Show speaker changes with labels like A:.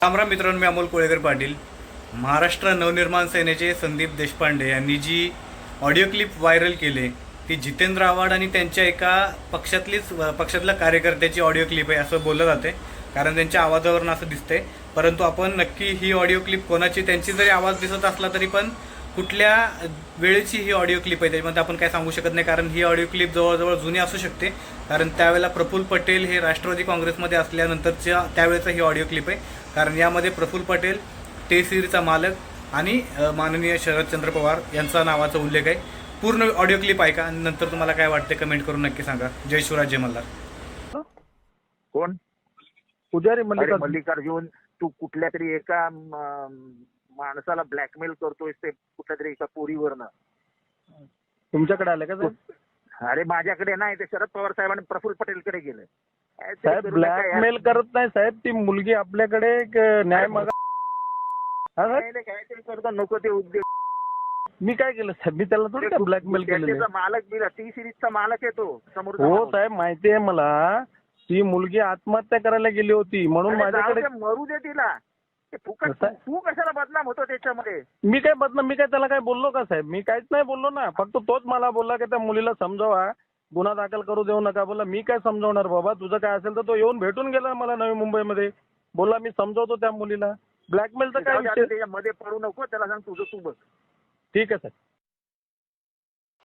A: रामराम मित्रांनो, मी अमोल कोळेकर पाटील. महाराष्ट्र नवनिर्माण सेनेचे संदीप देशपांडे यांनी जी ऑडिओ क्लिप व्हायरल केली ती जितेंद्र आव्हाड आणि त्यांच्या एका पक्षातल्या कार्यकर्त्याची ऑडिओ क्लिप आहे असं बोललं जाते, कारण त्यांच्या आवाजावरून असं दिसतंय. परंतु आपण नक्की ही ऑडिओ क्लिप कोणाची, त्यांची जरी आवाज दिसत असला तरी पण कुठल्या वेळेची ही ऑडिओ क्लिप आहे त्याच्यामध्ये आपण काय सांगू शकत नाही, कारण ही ऑडिओ क्लिप जवळजवळ जुनी असू शकते. कारण त्यावेळेला प्रफुल्ल पटेल हे राष्ट्रवादी काँग्रेसमध्ये असल्यानंतरच्या त्यावेळेचा ही ऑडिओ क्लिप आहे. कारण यामध्ये प्रफुल्ल पटेल, टेसिरीचा मालक आणि माननीय शरदचंद्र पवार यांचा नावाचा उल्लेख आहे. पूर्ण ऑडिओ क्लिप ऐका आणि नंतर तुम्हाला काय वाटते कमेंट करून नक्की सांगा. जय शिवराज, जय मल्हार.
B: कोण?
C: पुजारी
B: मल्लिकार्जुन, तू कुठल्या तरी एका माणसाला ब्लॅकमेल करतोय ते कुठल्या तरी एका पोरीवरनं.
C: तुमच्याकडे आले का साहेब?
B: अरे माझ्याकडे नाही, ते शरद पवार साहेबांनी प्रफुल्ल पटेलकडे गेलं.
C: साहेब ब्लॅकमेल करत नाही साहेब, ती मुलगी आपल्याकडे एक न्याय मागा.
B: काहीतरी करतो, नको ते उद्योग.
C: मी काय केलं साहेब? मी त्याला थोडी काय ब्लॅकमेल केलेलं.
B: मालक दिला, टी सिरीजचा मालक येतो समोर.
C: हो साहेब, माहिती आहे मला. ती मुलगी आत्महत्या करायला गेली होती म्हणून माझ्याकडे.
B: मरू दे तिला. तू कशाला बदनाम होतो त्याच्यामध्ये?
C: मी काय त्याला काय बोललो का साहेब? मी काहीच नाही बोललो ना. फक्त तोच मला बोलला की त्या मुलीला समजावा, गुन्हा दाखल करू देऊ नका. बोला मी काय समजवणार बाबा, तुझं काय असेल तर. तो येऊन भेटून गेला मला नवी मुंबईमध्ये. बोला मी समजवतो त्या मुलीला. ब्लॅकमेलचं काय विषय?
B: त्याच्यामध्ये पडू नको, त्याला सांग तुझं तू बघ.
C: ठीक आहे साहेब.